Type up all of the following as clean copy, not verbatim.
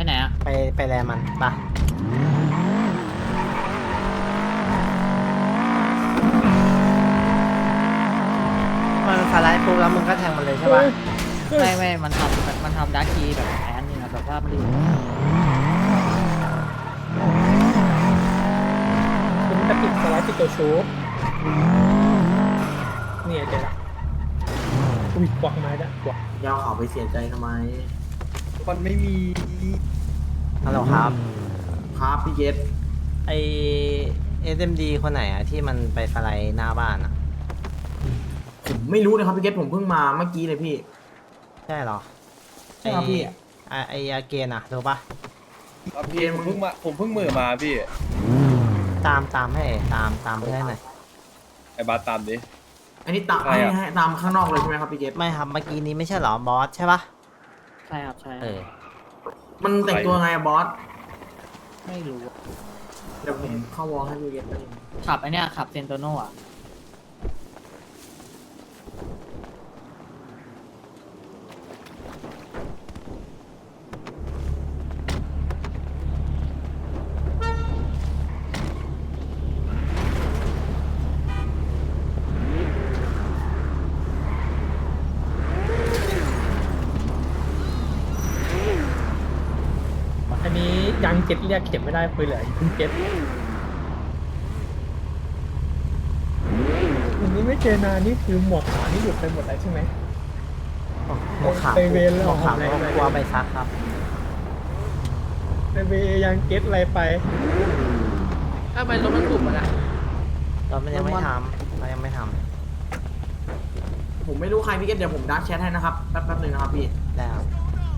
ไหนอะไปแลมันปะมันสไลด์ปุ๊บแล้วมึงก็แทงมันเลยใช่ปะไม่มันทำดาร์คีแบบแอนนี่นะแบบว่ามันอยู่คุณจะปิดสไลด์ปิดตัวชูเนี่ยเจอละอุ้ยกวักมาแล้วกวักยาวเขาไปเสียใจทำไมมันไม่มีฮัลโหลครับครับพี่เกตไอSMD คนไหนอะที่มันไปสไลด์หน้าบ้านอะผมไม่รู้เลยครับพี่เกตผมเพิ่งมาเมื่อกี้เลยพี่ใช่เหรอใช่ครับพี่ไออาเกนอะรู้ปะครับพี่ผมเพิ่งมือมาพี่ตามให้ตามเพื่อนหน่อยไอ้บาสตามดิอันนี้ตามใครอะให้ตามข้างนอกเลยใช่ไหมครับพี่เกตไม่ครับเมื่อกี้นี้ไม่ใช่เหรอบอสใช่ปะใช่ครับใช่เออมันแต่งตัวไงอะบอสไม่รู้เดี๋ยวผมเข้าวอลให้พี่เกตได้ขับไอเนี้ยขับเซนโตโน่อะอันนี้ยังเจ็ดเรียกเข็มไม่ได้ปืนเหลือคุณเจ็ดอันนี้ไม่เจอนานนี่คือหมวกขาวนี่หลุดไปหมดแล้วใช่ไหมหมวกขาวไปเวรแล้วหมวกขาวอะไรกลัวไปซักครับในเวยังเก็ตอะไรไปทำไมรถมันถูกมันอะเรามันยังไม่ทำเรายังไม่ทผมไม่รู้ใครพี่เกตเดี๋ยวผมดักแชทให้นะครับแป๊บนึงนะครับพี่ำได้ครับ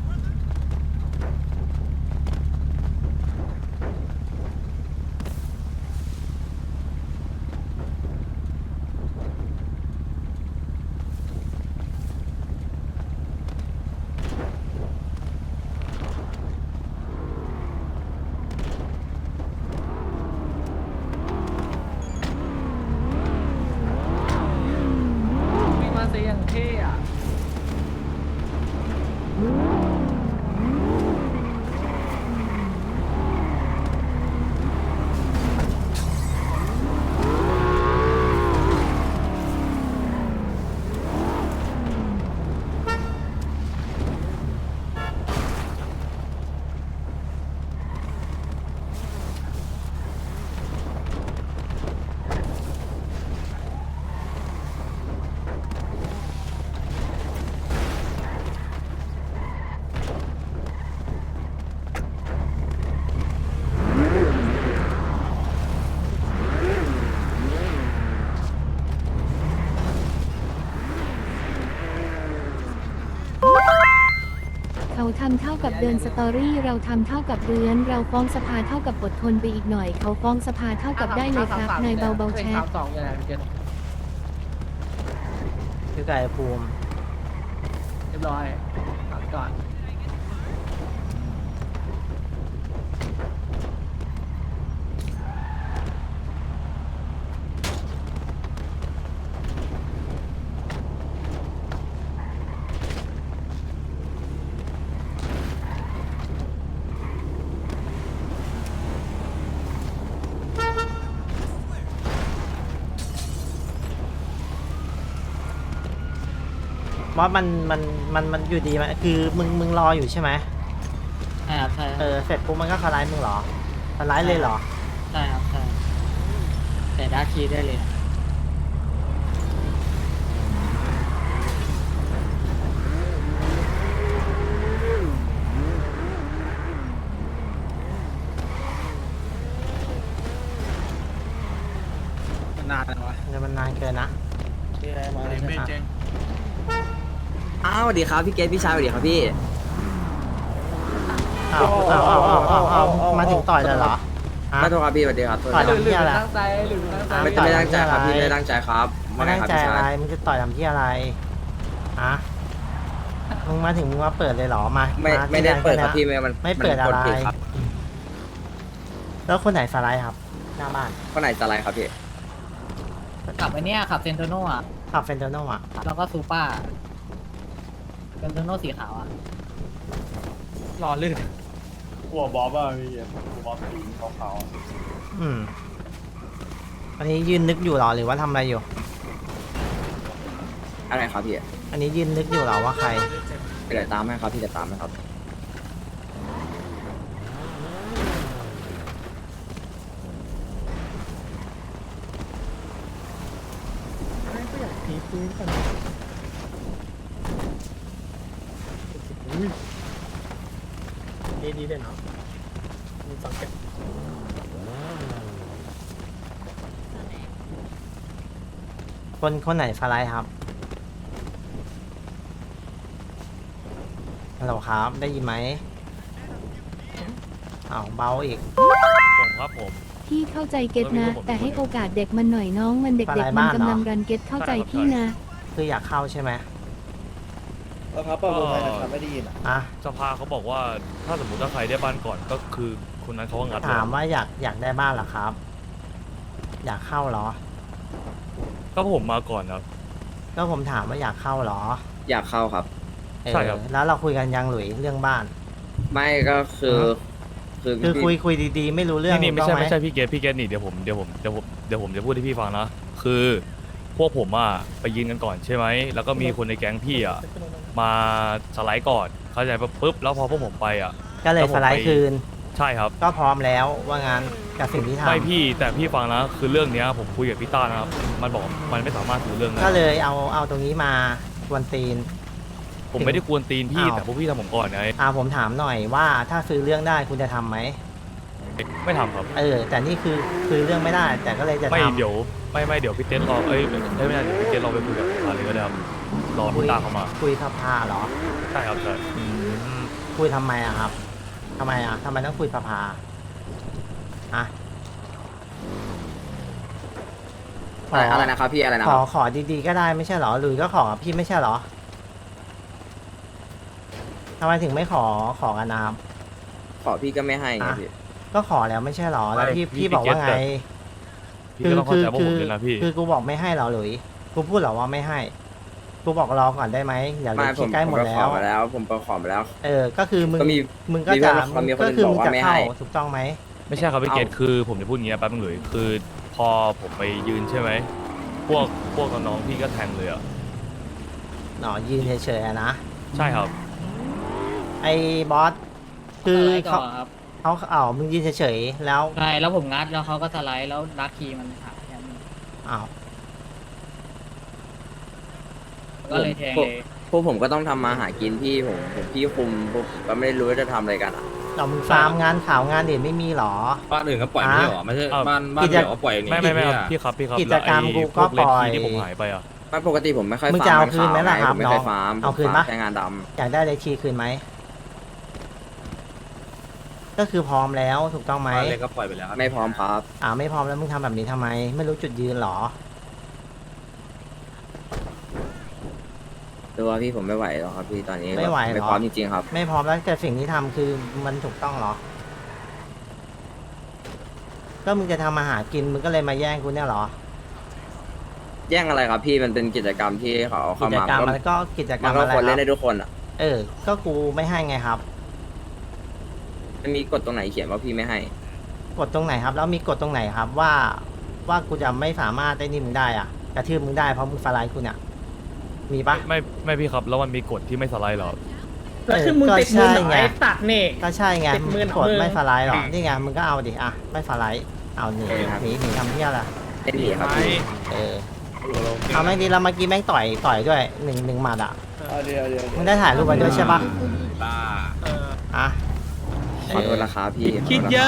วิ่งมาเสียงเท่อะเขาทำเท่ากับเดินสตอรี่เราทำเท่ากับเรือนเราฟ้องสภาเท่ากับอดทนไปอีกหน่อย เขาฟ้องสภาเท่ากับได้เลยครับนายเบาๆแชทสองอย่างไรเกตคือไก่ภูมิเรียบร้อยตัดก่อนว่ามันอยู่ดีไหมคือมึงรออยู่ใช่ไหมใช่ครับใช่เออเสร็จปุ๊บมันก็สไลด์มึงเหรอสไลด์เลยเหรอใช่ครับใช่แต่ดาร์คีได้เลย นานแล้ววะเดี๋ยวมันนานเกินนะไม่เจ๊งอ้าวสวัสดีครับพี่เกตพี่ชายสวัสดีครับพี่เอามาถึงต่อยเลยเหรอฮะไม่โทษครับพี่สวัสดีครับโทษต่อยครับทำเพี้ยอะไรตั้งใจหรือตั้งใจไม่ตั้งใจครับพี่ไม่ได้ตั้งใจครับไม่ว่าไงตั้งครับใจพี่อะไรชายมึงจะต่อยทำเพี้ยอะไรฮะมึงมาถึงมึงมาเปิดเลยเหรอมาไม่ได้เปิดครับที่พี่มันไม่เปิดนอะกไรผิดครับแล้วคนไหนสไลด์ครับ หน้าบ้านข้อไหนจะอะไรครับพี่ขับไอเนี้ยขับเซนโตโน่อะขับเฟนเทโนอ่ะแล้วก็ซูเปอร์เซนโตโน่สีขาวอะรอลื่นหัวบอสอ่ะพี่หัวบอสสีขาวอืมอันนี้ยืนนึกอยู่เหรอหรือว่าทำอะไรอยู่อะไรครับพี่อันนี้ยืนนึกอยู่เหรอว่าใครเดี๋ยวตามให้ครับพี่จะตามให้ครับไม่ก็อยากตีปืนก่อนอุ้ยดีเลยเนาะมีสองแกะคนไหนสไลด์ครับฮัลโหลครับ ได้ยินไหมอ้าวเบาอีกผมครับผมพี่เข้าใจเก็ตนะ แต่ให้โอกาสเด็กมันหน่อยน้องมันเด็กอะไรๆมันบ้างกำลังเนอะรันเก็ตเข้าใจพี่นะคืออยากเข้าใช่ไหมแล้วครับประมูลไทยนะครับไม่ได้ยินอ่ะอ่ะสภาเขาบอกว่าถ้าสมมติว่าใครได้บ้านก่อนก็คือคนนั้นเขาก็งัดเลยถามว่าอยากได้บ้านเหรอครับ อยากเข้าเหรอก็ผมมาก่อนครับก็ผมถามว่าอยากเข้าเหรออยากเข้าครับเออใช่ครับแล้วเราคุยกันยังหลุยเรื่องบ้านไม่ก็คือ คือคือพี่คุยดีๆ ไม่รู้เรื่องนี่ไม่ถูกใช่ต้องหไม่ใช่พี่เกตนี่เดี๋ยวผมจะพูดให้พี่ฟังนะคือพวกผมอ่ะไปยืนกันก่อนใช่ไหมแล้วก็มีคนในแก๊งพี่อ่ะมาสไลด์ก่อนเข้าใจปะปุ๊บแล้วพอพวกผมไปอ่ะก็เลยแล้วผมสไลด์คืนใช่ครับก็พร้อมแล้วว่างั้นกับสิ่งที่ทำไม่พี่แต่พี่ฟังนะคือเรื่องเนี้ยผมคุยกับพี่ต้านะครับมันบอกมันไม่สามารถถือเรื่องได้ก็เลยเอาตรงนี้มาควนตีนผมไม่ได้กวนตีนพี่อ้าวแต่พวกพี่ทำผมก่อนไงผมถามหน่อยว่าถ้าซื้อเรื่องได้คุณจะทำไหมไม่ทำครับแต่นี่คือซื้อเรื่องไม่ได้ แต่ก็เลยจะไม่ทำเดี๋ยวไม่เดี๋ยวพี่เต้นรอไม่ได้เดี๋ยวพี่เต้นรอไปคุยกับอะไรก็ได้ครับรอพี่ตาเข้ามาคุยสภาเหรอใช่ครับใช่คุยทำไมอะครับทำไมต้องคุยสภาอะขออะไรนะครับพี่อะไรนะขคอรับขอดีๆก็ได้ไม่ใช่เหรอหรือก็ขอกับพี่ไม่ใช่เหรอทำไมถึงไม่ขอกันนะครับขอพี่ก็ไม่ให้ไงพี่ก็ขอแล้วไม่ใช่เหรอแล้วพี่บอกว่าไงพี่ก็ต้องเข้าใจว่าผมเลยนะพี่คือกูบอกไม่ให้เหรอหลุยกูพูดเหรอว่าไม่ให้ กูบอกรอก่อนได้ไหมอย่าเลไม่ยผมใกล้หมดก็แล้ขอวมาแล้ว ผมก็ขอมาแล้วก็คือมึงก็มีก็จะมีคนก็คือบอกมึงว่าจะไม่เข้าให้ถูกต้องไหมไม่ใช่ครับพี่เกตคือผมจะพูดอย่างเงี้ยแป๊บนึงเลยคือพอผมไปยืนใช่ไหมพวกน้องๆพี่ก็แทงเลยอ่ะหนอยืนเฉยๆอะนะใช่ครับไอ้บอสคือสไลด์ก่เขาอนครับมึงยืนเฉยๆแล้วใช่แล้วผมงัดแล้วเขาก็สไลด์แล้วดักคีมันหายครับอ้าวก็เลยแทงเลยพวกผมก็ต้องทำมาหากินพี่ผมพี่คุมพวกก็ไม่รู้ว่าจะทำอะไรกันอ่ะเรามึงฟาร์มงานข่าวงานเด่นไม่มีเหรอบ้านอื่นก็ปล่อยไม่ใช่หรอไม่ใช่บ้านเดี่ยวก็ปล่อยอย่างนี้ไม่ครับพี่ครับกิจกรรมแล้วไอ้กูพก็วกเลปนล่อยคีที่ผมหายไปอ่ะไม่ปกติผมไม่ค่อยมึงฟาจะร์เอามคืนไหมล่ะครับผมไม่ค่อยน้องฟาร์มเอาคืนผมปะฟร์มแค่งานดอยากได้เลชีคืนไหมก็คือพร้อมแล้วถูกต้องไหมบ้านเล็กก็ปล่อยไปแล้วครับำไม่พร้อมครับไม่พร้อมแล้วมึงทำแบบนี้ทำไม ไม่รู้จุดยืนเหรอตัวพี่ผมไม่ไหวหรอกครับพี่ตอนนี้ไม่ไหวเหรอไม่พร้อมจริงๆครับไม่พร้อมแล้วแต่สิ่งที่ทำคือมันถูกต้องเหรอ ก็มึงจะทำมาหากินมึงก็เลยมาแย่งกูเนี่ยเหรอแย่งอะไรครับพี่มันเป็นกิจกรรมที่เขาเอากิเข้าจมากรรมก็มันก็กิจกรมัรนมก็อะไรควรคเล่รับนได้ทุกคนอ่ะก็กูไม่ให้ไงครับมันมีกฎตรงไหนเขียนว่าพี่ไม่ให้กดตรงไหนครับ แล้วมีกฎตรงไหนครับว่ากูจะไม่สามารถได้นี่มึงได้อ่ะกระทืบมึงได้เพราะมึงสไลด์กูเนี่ยมีปะไม่พี่ครับแล้วมันมีกฎที่ไม่สไลด์เหรอแล้วคือมึงติดมือหน่อยตัดนี่ก็ใช่ไงติดมือหนักกดมือไม่สไลด์หรอนี่ไงมึงก็เอาดิไม่สไลด์เอาหนีทำเที่ยอะไรเล่นหนีครับพี่เอาไม่ดีแล้วเมื่อกี้แม่งต่อยด้วยหนึ่งหมัดอ่ะเดี๋ยวมึงได้ถ่ายรูปไว้ด้วยใช่ปะบ้าอ่ะขอโทษนะครับพี่คิดเยอะ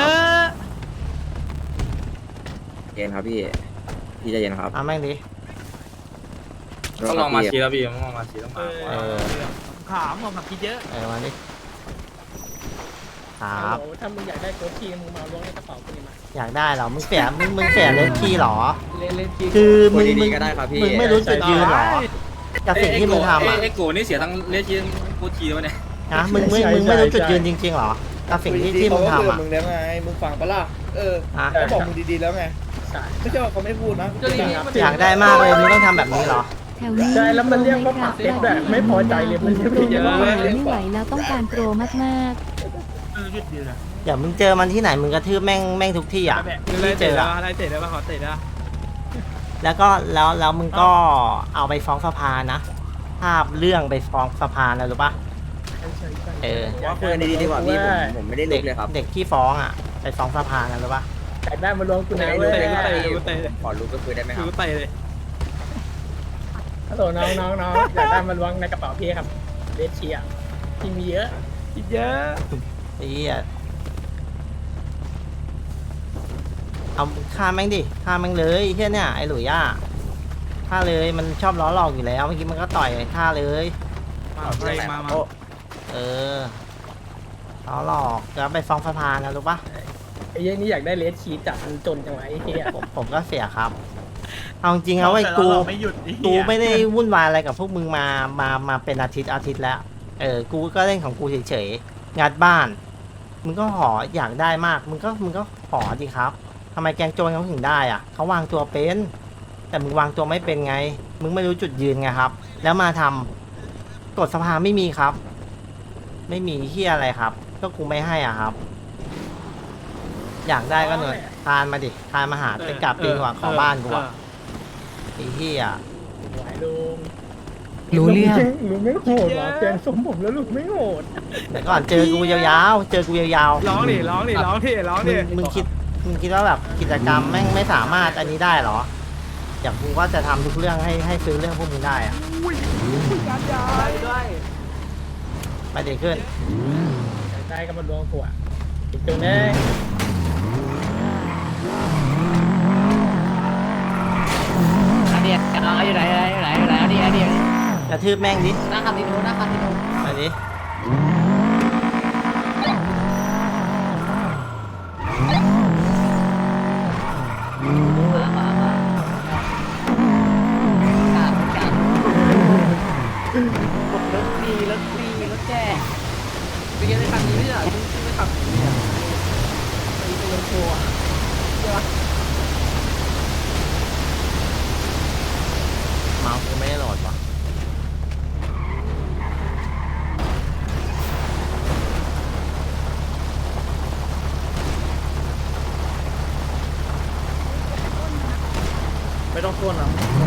เย็นครับพี่ใจเย็นครับแม่งดิต้องลองมาชี้แล้วพี่ต้องลองมาชี้ต้องมาขามออกมาคิดเยอะมาดิครับถ้ามึงอยากได้โค้ชทีมึงมาล้วงในกระเป๋ากูนี่มาอยากได้เหรอมึงเสียเลนคีย์เหรอเล่นคีคือมึงดีๆก็ได้ครับพี่มึงไม่รู้จุดยืนเหรอกับสิ่งที่มึงทำอ่ะไอ้โกนี่เสียทั้งเลชีโคชีแล้วเนี่ยนะมึงไม่รู้จุดยืนจริงๆเหรอกับสิ่งที่มึงทำอ่ะมึงแล้วไงมึงฟังปะล่ะอ่ะเขาบอกมึงดีๆแล้วไงไม่ใช่ว่าเขาไม่พูดนะอยากได้มากเลยมึงต้องทำแบบนี้เหรอแถวนี้ใช่แล้วมันเรียกว่าปากเล็กแบบไม่พอใจเลยมันเรียกโปรเยอะไม่ไหวเลยไม่ไหวแล้วต้องการโปรมากหยุดยืนอะเดี๋ยวมึงเจอมันที่ไหนมึงกระทืบแม่งทุกที่อ่ะที่เจออะอะไรเตะได้ป่ะขอเตะได้แล้วก็แล้วมึงก็เอาไปฟ้องสภานะภาพเรื่องไปฟ้องสภานะรู้ปะเออว่าคุยกันดีๆดีกว่าพี่ผมไม่ได้ลุเด็กกเลยครับเด็กที่ฟ้องอ่ะไปฟ้องสภานะรู้ปะอยากได้มาลงกูไม่นะได้เว้ลุยกเลยครับพี่ผมขอลุกก็คุยได้ไหมครับกูเตะเลยฮัลโหลน้องอยากได้มาล้วงในกระเป๋าพี่ครับเดชเชียที่มีเยอะเยอะไอ้เหี้ยเอาฆ่าแม่งดิฆ่าแม่งเลยไอ้เหี้ยเนี่ยไอ้หลุยย่าฆ่าเลยมันชอบล้อหลอกอยู่แล้วเมื่อกี้มันก็ต่อยฆ่าเลยมาเออล้อหลอกจะไปฟ้องสภานะรู้ปะไอ้เหี้ยนี่อยากได้เลสชีจัดมันจนจังไงไอ้เหี้ยผมก็เสียครับเอาจริงๆเอาไว้กูไม่ได้วุ่นวายอะไรกับพวกมึงมาเป็นอาทิตย์แล้วกูก็เล่นของกูเฉยๆงัดบ้านมึงก็หออยากได้มากมึงก็หอดีครับทำไมแกงโจรเขาถึงได้อ่ะเขาวางตัวเป็นแต่มึงวางตัวไม่เป็นไงมึงไม่รู้จุดยืนไงครับแล้วมาทำกฎสภาไม่มีครับ ไม่มีเฮียอะไรครับก็กูไม่ให้อ่ะครับ อยากได้ก็หน่อยทานมาดิทานมาหาไปกลับปีกว่าขอบ้านกูอ่ะไอ้เฮียไหวลุงรู้เรื่องลุงไม่โหดว่ะเปลี่ยนสมผมแล้วลุงไม่โหดแต่ก่อนเจอกูยาวๆเจอกูยาวร้องดิๆมึงคิดว่าแบบกิจกรรมแม่งไม่สามารถอันนี้ได้เหรออย่างกูก็จะทำทุกเรื่องให้ซื้อเรื่องพวกมึงได้อ่ะไปเด็กขึ้นได้ก็มาล้วงกูอ่ะอีกตัวนึงอันเดียวน้องอยู่ไหนอันเดียวกระทืบแม่งดิหน้าคาสิโนไปดิรถแจ้ไปเก็บในคันนี้เนี่ยไม่ขับไปลงโชว์อ่ะเดี๋ยวเมาส์กูไม่ได้โหลดว่ะไม่ต้องทวนหรอ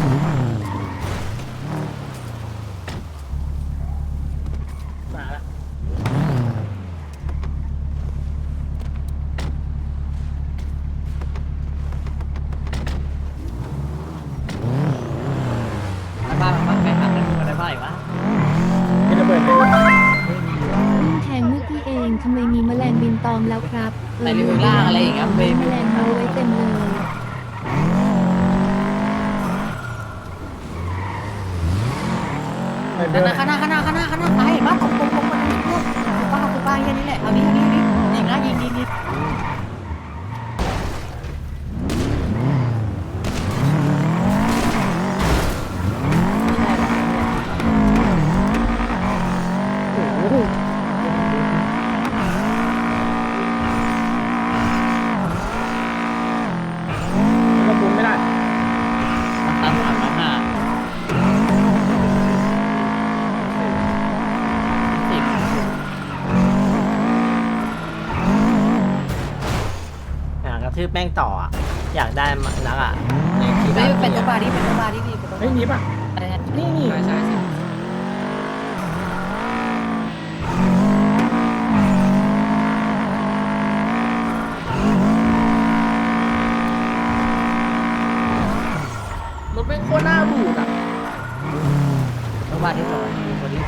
มาละบ้านไปหาเงินอะไรบ้างอีกวะมีระเบิดไหมแทงเมื่อกี้เองทำไมมีแมลงบินตอมแล้วครับในเรือล่างอะไรอย่างเงี้ยมีแมลงมาไว้เต็มเลยข้างหน้าไปบ้านตรงมันกูป้าแค่นี้แหละเอานี้ยิงนะยิงกระปุกไม่ได้ตามหลังมากระทืบแม่งต่ออ่ะอยากได้นักอ่ะในที่ไม่บ้านเป็นพี่ตัวอะบาร์ที่ดีเฮ้ยนี่ป่ะอะไรนะนี่ใช่รถเป็นโคตรหน้าบูดอ่ะตัวบาร์ที่สองคนนี้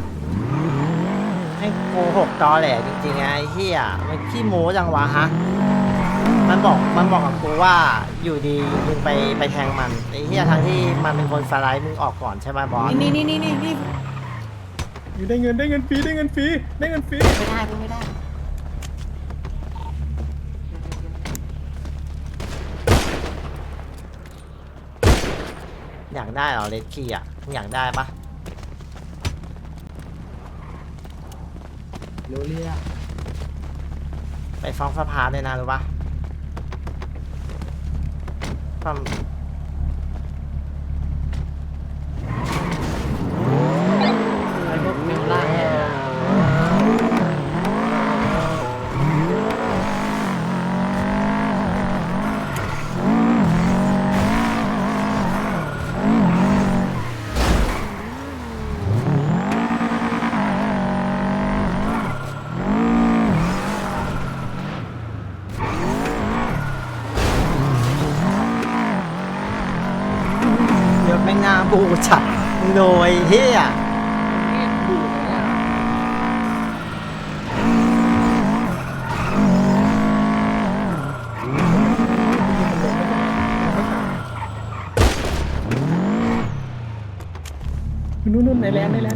ให้โกหกตอแหลจริงๆไงไอ้เฮียมันขี้โม้จังวะฮะมันบอกกับกูว่าอยู่ดีมึงไปแทงมันไอ้เฮียทั้งที่มันเป็นคนสไลด์มึงออกก่อนใช่ไหมบอสนี่อยู่ได้เงินฟรีไม่ได้อยากได้เหรอเลดคีอ่ะมึงอยากได้ปะรู้เรื่องไปฟ้องสภาเลยนะรู้ปะความไอ้พวกเมลล่างเนี่ยกูฉัดมึงโดยเฮียนี่ดูเลยเนี่ยนู่นในแลนด์นี่เนี่ย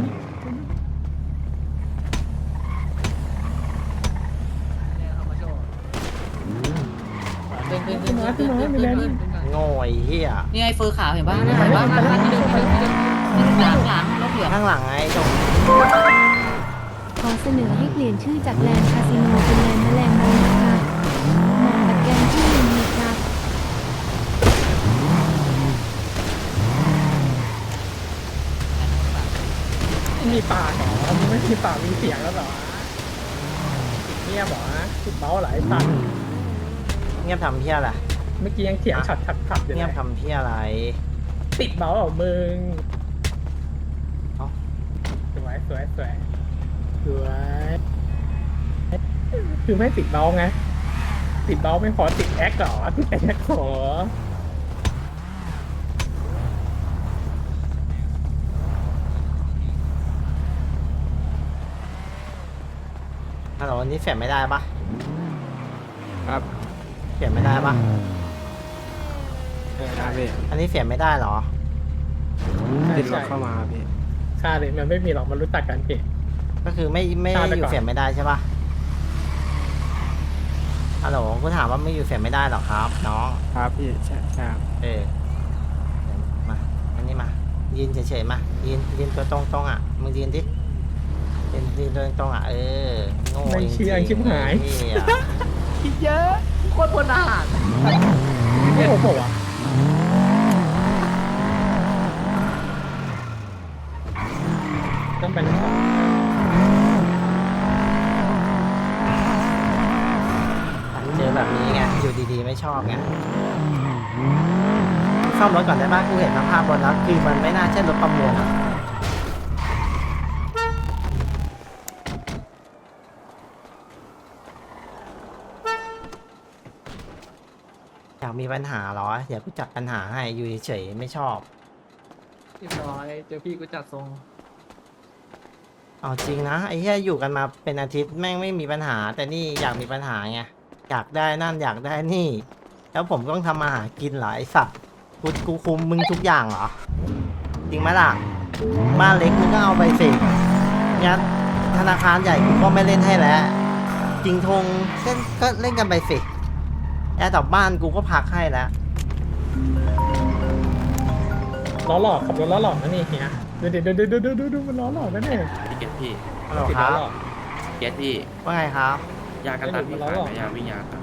เอามาโชว์ขึ้นโง่ไอ้เฮียนี่ไอ้เฟอร์ขาวเห็นป่ะเห็นป่ะที่เดิมหลังรถเหลืองข้างหลังไอ้ตรงขอเสนอให้เปลี่ยนชื่อจากแลนด์คาสิโนเป็นแลนด์แมลงมุมครับเหมาะกับแกงที่มีครับมีปากเหรอมึงไม่มีปากมีเสียงแล้วเหรอเงียบเหรอติดเบ้าหลายพันเงียบทำเพี้ยอะไรเมื่อกี้ยังเถียงฉัดอยู่เลเงียบยทำเพี้ยอะไรติดเบ้าเหรอมึงเอ้าสวยคือไม่ติดเบ้าไงติดเบ้าไม่พอติดแอคเหรอติดแอคเหรอฮัลโหลอันนี้เสียบไม่ได้ปะครับเสียบไม่ได้ปะครับพี่อันนี้เสียบไม่ได้เหรอติดรถเข้ามาพี่ใช่เลยมันไม่มีหรอกมันรู้จักกันพี่ก็คือไม่ตามไปอยู่ก่อนเสียบไม่ได้ใช่ปะฮัลโหลกูถามว่าไม่อยู่เสียบไม่ได้หรอครับน้องครับพี่ใช่ครับเออมาอันนี้มายืนเฉยๆมายืนตัวตรงๆอ่ะมึงยืนดิยืนตัวตรงๆอ่ะเออโง่ไม่เชื่อชิบหายเหี้ยคิดเยอะโคตรพลทหารไม่โหดวะต้องเป็นเจอแบบนี้ไงอยู่ดีๆไม่ชอบไงซ่อมรถก่อนได้ปะกูเห็นสภาพรถแล้วคือมันไม่น่าใช่รถประมูลอะอยากมีปัญหาเหรอเดี๋ยวกูจัดปัญหาให้อยู่เฉยๆไม่ชอบเรียบร้อยเจอพี่กูจัดทรงเอาจริงนะไอ้เหี้ยอยู่กันมาเป็นอาทิตย์แม่งไม่มีปัญหา แต่นี่อยากมีปัญหาไงอยากได้นั่นอยากได้นี่ แล้วผมต้องทำมาหากินเหรอไอ้สัตว์กูคุมมึงทุกอย่างเหรอจริงไหมล่ะบ้านเล็กมึงก็เอาไปสิงั้นธนาคารใหญ่กูก็ไม่เล่นให้แล้วจริงทงก็เล่นกันไปสิแอร์ต่อบ้านกูก็พักให้แล้วล้อหลอกขับรถล้อหลอกนะนี่เฮียดูมันล้อหลอกนะเนี่ยพี่เกตพี่ฮัลโหลติดคล้รัอบ หลอกเกตพี่ว่าไงครับยากันตันพี่ขายไหมยาวิ่งยากัน